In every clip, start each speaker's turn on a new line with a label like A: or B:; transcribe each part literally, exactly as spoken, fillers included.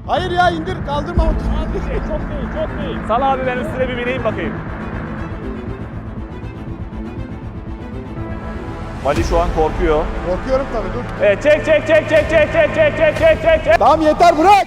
A: Hayır ya indir kaldırma.
B: Az bir şey, çok değil, çok değil. Sal abi ben üstüne bir bineyim bakayım. Mali şu an korkuyor.
A: Korkuyorum tabii dur.
B: Evet çek çek çek çek çek çek çek çek çek çek çek.
A: Tamam yeter bırak.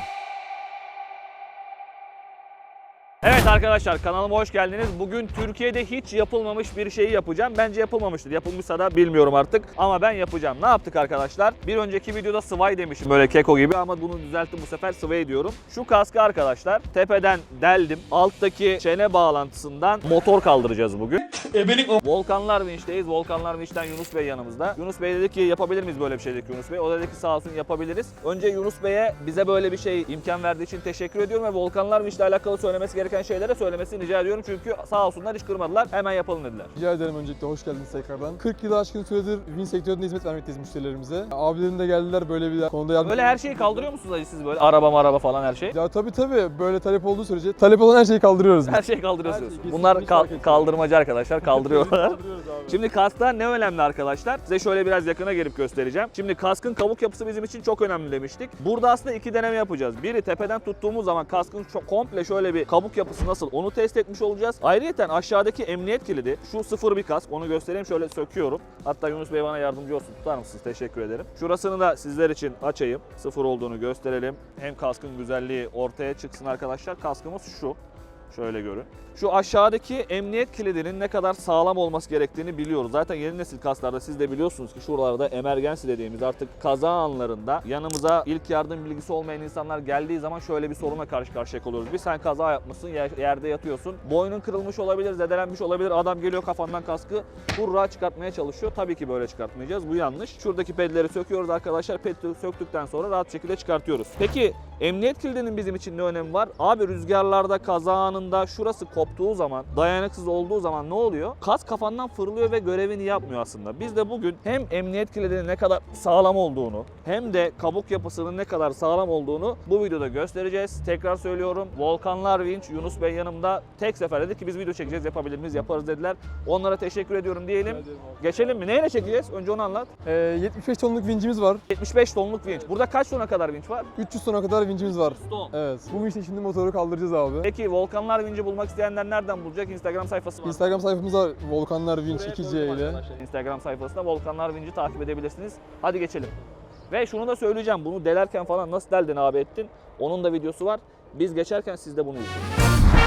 B: Evet arkadaşlar kanalıma hoş geldiniz. Bugün Türkiye'de hiç yapılmamış bir şeyi yapacağım. Bence yapılmamıştır. Yapılmışsa da bilmiyorum artık. Ama ben yapacağım. Ne yaptık arkadaşlar? Bir önceki videoda Sway demişim böyle keko gibi ama bunu düzelttim bu sefer Sway diyorum. Şu kaskı arkadaşlar tepeden deldim. Alttaki çene bağlantısından motor kaldıracağız bugün. Volkanlar Vinç'teyiz. Volkanlar Vinç'ten Yunus Bey yanımızda. Yunus Bey dedi ki yapabilir miyiz böyle bir şey dedi Yunus Bey. O dedi ki sağ olsun yapabiliriz. Önce Yunus Bey'e bize böyle bir şey imkan verdiği için teşekkür ediyorum ve Volkanlar Vinç'le alakalı söylemesi gereken şeylere söylemesini rica ediyorum. Çünkü sağ olsunlar hiç kırmadılar. Hemen yapalım dediler.
C: Rica ederim, öncelikle hoş geldiniz tekrardan. kırk yılı aşkın süredir Vinç sektöründe hizmet vermekteyiz müşterilerimize. Abilerim de geldiler böyle bir konuda yardım.
B: Böyle her şeyi kaldırıyor musunuz acı siz böyle? Araba maraba falan her şey.
C: Ya tabii tabii böyle talep olduğu sürece talep olan her şeyi kaldırıyoruz.
B: Her şeyi kaldırıyorsunuz.
C: Her şeyi,
B: Bunlar
C: kesinlikle
B: kal-
C: fark etmiyor.
B: kaldırmacı arkadaşlar. Kaldırıyorlar.
C: Kaldırıyoruz abi.
B: Şimdi kaskta ne önemli arkadaşlar? Size şöyle biraz yakına gelip göstereceğim. Şimdi kaskın kabuk yapısı bizim için çok önemli demiştik. Burada aslında iki deneme yapacağız. Biri tepeden tuttuğumuz zaman kaskın çok komple şöyle bir kabuk yapısı nasıl onu test etmiş olacağız. Ayrıyeten aşağıdaki emniyet kilidi şu sıfır bir kask. Onu göstereyim, şöyle söküyorum. Hatta Yunus Bey bana yardımcı olsun. Tutar mısınız? Teşekkür ederim. Şurasını da sizler için açayım. Sıfır olduğunu gösterelim. Hem kaskın güzelliği ortaya çıksın arkadaşlar. Kaskımız şu. Şöyle görün. Şu aşağıdaki emniyet kilidinin ne kadar sağlam olması gerektiğini biliyoruz. Zaten yeni nesil kasklarda siz de biliyorsunuz ki şuralarda emergency dediğimiz artık kaza anlarında yanımıza ilk yardım bilgisi olmayan insanlar geldiği zaman şöyle bir sorunla karşı karşıya kalıyoruz. Bir sen kaza yapmışsın, yerde yatıyorsun. Boynun kırılmış olabilir, zedelenmiş olabilir. Adam geliyor kafandan kaskı hurra çıkartmaya çalışıyor. Tabii ki böyle çıkartmayacağız. Bu yanlış. Şuradaki pedleri söküyoruz arkadaşlar. Ped söktükten sonra rahat şekilde çıkartıyoruz. Peki emniyet kilidinin bizim için ne önemi var? Abi rüzgarlarda, kaza anında şurası koptuğu zaman, dayanıksız olduğu zaman ne oluyor? Kask kafandan fırlıyor ve görevini yapmıyor aslında. Biz de bugün hem emniyet kilidinin ne kadar sağlam olduğunu hem de kabuk yapısının ne kadar sağlam olduğunu bu videoda göstereceğiz. Tekrar söylüyorum. Volkanlar Vinç, Yunus Bey yanımda. Tek sefer dedi ki biz video çekeceğiz, yapabilir miyiz, yaparız dediler. Onlara teşekkür ediyorum diyelim. Geçelim mi? Neyle çekeceğiz? Önce onu anlat.
C: Ee, yetmiş beş tonluk vincimiz var.
B: yetmiş beş tonluk vinç. Burada kaç tona kadar vinç var?
C: üç yüz tona kadar vincimiz var.
B: Ton.
C: Evet. Bu vinçle şimdi motoru kaldıracağız abi.
B: Peki Volkanlar Vinç'i bulmak isteyenler nereden bulacak? Instagram sayfası var.
C: Instagram sayfamız var, Volkanlar Vinç iki C ile.
B: Instagram sayfasında Volkanlar Vinç'i takip edebilirsiniz. Hadi geçelim. Ve şunu da söyleyeceğim. Bunu delerken falan nasıl deldin abi ettin? Onun da videosu var. Biz geçerken siz de bunu izleyin.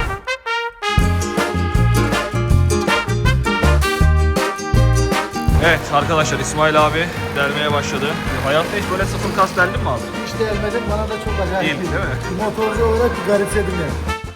B: Evet arkadaşlar İsmail abi delmeye başladı. Hayatta hiç böyle sıfır kas deldin mi abi?
A: İşte elmedim bana da çok acayip.
B: Değil, değil mi?
A: Motorcu olarak garipsedim yani.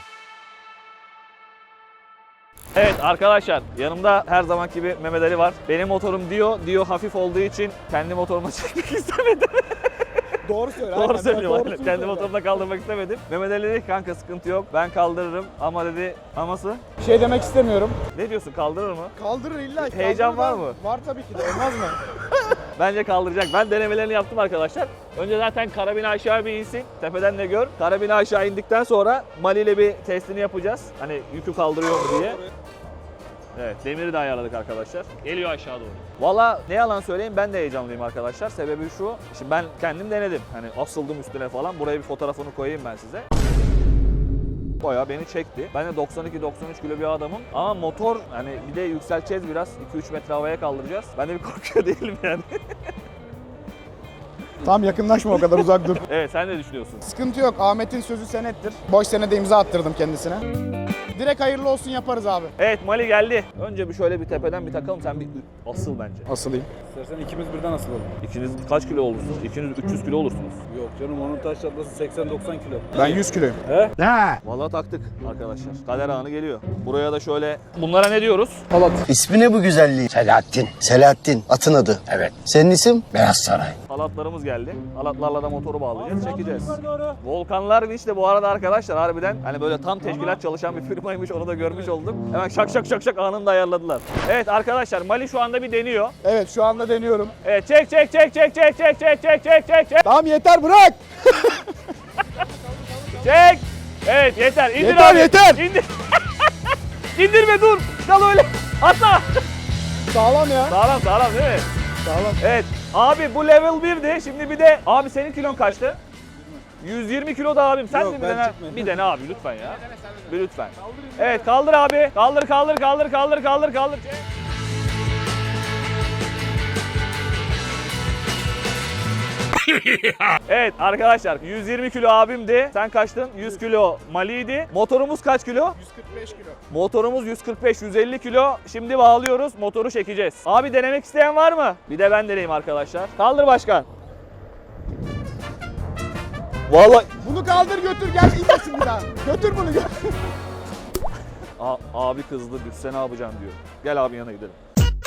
B: Evet arkadaşlar yanımda her zamanki gibi Mehmet Ali var. Benim motorum Dio. Dio hafif olduğu için kendi motoruma çekmek istemedim.
A: Doğru söyle.
B: Doğru
A: aynen.
B: söylüyorum.
A: Doğrusunu
B: Aynen. Kendi
A: söyle.
B: motorumda kaldırmak istemedim. Mehmet Ali dedi ki kanka sıkıntı yok. Ben kaldırırım. Ama dedi aması.
A: Bir şey demek istemiyorum.
B: Ne diyorsun, kaldırır mı?
A: Kaldırır illa.
B: Heyecan
A: kaldırır.
B: var mı?
A: Var tabii ki de. Olmaz mı?
B: Bence kaldıracak. Ben denemelerini yaptım arkadaşlar. Önce zaten karabini aşağı bir insin. Tepeden de gör. Karabini aşağı indikten sonra Mali ile bir testini yapacağız. Hani yükü kaldırıyor mu diye. Evet, demiri de ayarladık arkadaşlar. Geliyor aşağı doğru. Valla ne yalan söyleyeyim, ben de heyecanlıyım arkadaşlar. Sebebi şu, şimdi ben kendim denedim. Hani asıldım üstüne falan. Buraya bir fotoğrafını koyayım ben size. Bayağı beni çekti. Ben de doksan iki doksan üç kilo bir adamım. Ama motor hani bir de yükselteceğiz biraz. iki üç metre havaya kaldıracağız. Ben de bir korkuyor değilim yani.
A: Tam yakınlaşma, o kadar uzak dur.
B: Evet, sen ne düşünüyorsun?
A: Sıkıntı yok. Ahmet'in sözü senettir. Boş senede imza attırdım kendisine. Direkt hayırlı olsun yaparız abi.
B: Evet, Mali geldi. Önce bir şöyle bir tepeden bir takalım. Sen bir asıl bence.
A: Asılayım.
D: İstersen ikimiz birden asılalım.
B: İkiniz kaç kilo olursunuz? İkiniz üç yüz kilo olursunuz.
D: Yok canım, onun taş çatlası seksen doksan kilo.
A: Ben yüz kiloyum.
B: Vallahi taktık arkadaşlar. Kader anı geliyor. Buraya da şöyle... Bunlara ne diyoruz?
E: İsmi ne bu güzelliği? Selahattin. Selahattin. Atın adı. Evet. Senin isim? Beyaz Saray.
B: Halatlarımız geldi. Halatlarla da motoru bağlayacağız, çekeceğiz. Volkanlar Vinç de bu arada arkadaşlar harbiden hani böyle tam teşkilat çalışan bir firmaymış, onu da görmüş oldum. Hemen şak şak şak şak anında ayarladılar. Evet arkadaşlar, Mali şu anda bir deniyor.
A: Evet şu anda deniyorum.
B: Evet, çek çek çek çek çek çek çek çek çek çek çek.
A: Tamam yeter bırak.
B: Çek. Evet yeter. İndir
A: Yeter,
B: abi.
A: yeter.
B: İndir. İndirme, dur. Kal öyle. Atla.
A: Sağlam ya.
B: Sağlam sağlam değil mi?
A: Sağlam.
B: Evet. Abi bu level birdi. Şimdi bir de abi senin kilon kaçtı? yüz yirmi kilo da abim. Sen
D: Yok,
B: de bir
D: ben
B: dene.
D: çıkmayayım.
B: Bir dene abi lütfen ya. Bir lütfen. Evet kaldır abi. Kaldır kaldır kaldır kaldır kaldır kaldır. Evet arkadaşlar yüz yirmi kilo abimdi. Sen kaçtın? yüz kilo Mali'ydi. Motorumuz kaç kilo?
A: yüz kırk beş kilo.
B: Motorumuz yüz kırk beş yüz elli kilo. Şimdi bağlıyoruz. Motoru çekeceğiz. Abi denemek isteyen var mı? Bir de ben deneyeyim arkadaşlar. Kaldır başkan. Vallahi
A: Bunu kaldır götür gel inmesin bir daha. Götür bunu gel.
B: A- abi kızdı. Düşse ne yapacağım diyor. Gel abi yanına gidelim.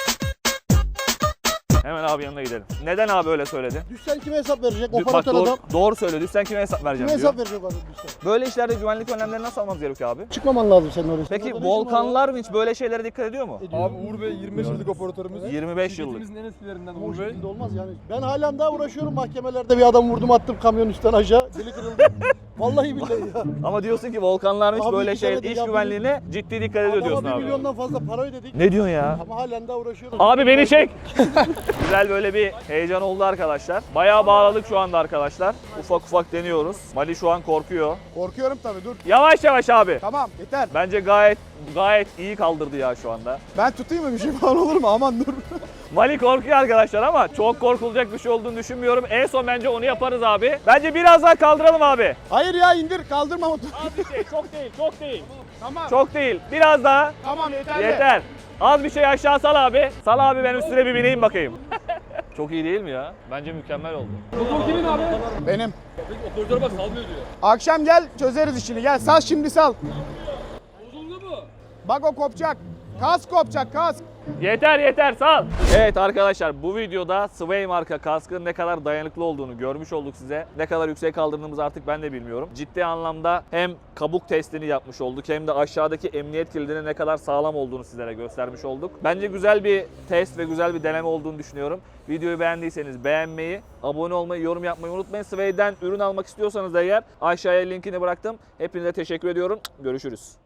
B: Hemen abi yanına gidelim. Neden abi öyle söyledi?
F: Düşsen kime hesap verecek?
B: Dü- Bak
F: Operatör
B: doğru,
F: adam.
B: doğru söyle. Düşsen kime hesap vereceğim
F: Kime
B: diyor.
F: hesap verecek adam düşsen?
B: Böyle işlerde güvenlik önlemleri nasıl almamız gerekiyor abi?
F: Çıkmaman lazım senin oraya.
B: Peki
F: Senin orada ne işin var
B: Volkanlar mı hiç böyle şeylere dikkat ediyor mu?
F: ya? Ediyor.
C: Abi Uğur Bey yirmi beş yıllık operatörümüz.
B: yirmi beş yıllık.
C: Şirketimizin en eskilerinden
F: Ama o
C: Uğur Bey.
F: şekilde olmaz yani. Ben halen daha uğraşıyorum mahkemelerde bir adam vurdum attım kamyon üstten aşağı. Dili kırıldı. Vallahi billahi ya.
B: Ama diyorsun ki Volkanlar mı hiç
F: Abi
B: böyle
F: iki
B: şey
F: senedir
B: iş
F: ya
B: güvenliğine ciddi dikkat ediyor
F: Adama
B: diyorsun
F: bir
B: abi.
F: milyondan fazla para ödedik.
B: Ne diyorsun ya?
F: Ama halen daha uğraşıyorum.
B: Abi beni çek. Güzel böyle bir heyecan oldu arkadaşlar. Bayağı bağladık şu anda arkadaşlar. Ufak ufak deniyoruz. Mali şu an korkuyor.
A: Korkuyorum tabii dur.
B: Yavaş yavaş abi.
A: Tamam yeter.
B: Bence gayet gayet iyi kaldırdı ya şu anda.
A: Ben tutayım mı bir şey falan olur mu? Aman dur.
B: Mali korkuyor arkadaşlar ama çok korkulacak bir şey olduğunu düşünmüyorum. En son bence onu yaparız abi. Bence biraz daha kaldıralım abi.
A: Hayır ya indir kaldırma motoru.
B: Az bir şey, çok değil, çok değil.
A: Tamam.
B: Çok değil. Biraz daha.
A: Tamam yeter.
B: Yeter. Az bir şey aşağı sal abi. Sal abi ben üstüne bir bineyim bakayım. Çok iyi değil mi ya? Bence mükemmel oldu.
C: Motor kimin abi?
A: Benim.
C: Operatör bak salmıyor diyor.
A: Akşam gel çözeriz işini. Gel sal şimdi sal.
C: Bozuldu mu?
A: Bak o kopacak. Kask kopacak kask.
B: Yeter yeter sal. Evet arkadaşlar bu videoda Sway marka kaskın ne kadar dayanıklı olduğunu görmüş olduk size. Ne kadar yüksek kaldırdığımızı artık ben de bilmiyorum. Ciddi anlamda hem kabuk testini yapmış olduk hem de aşağıdaki emniyet kilidinin ne kadar sağlam olduğunu sizlere göstermiş olduk. Bence güzel bir test ve güzel bir deneme olduğunu düşünüyorum. Videoyu beğendiyseniz beğenmeyi, abone olmayı, yorum yapmayı unutmayın. Sway'den ürün almak istiyorsanız da eğer aşağıya linkini bıraktım. Hepinize teşekkür ediyorum. Görüşürüz.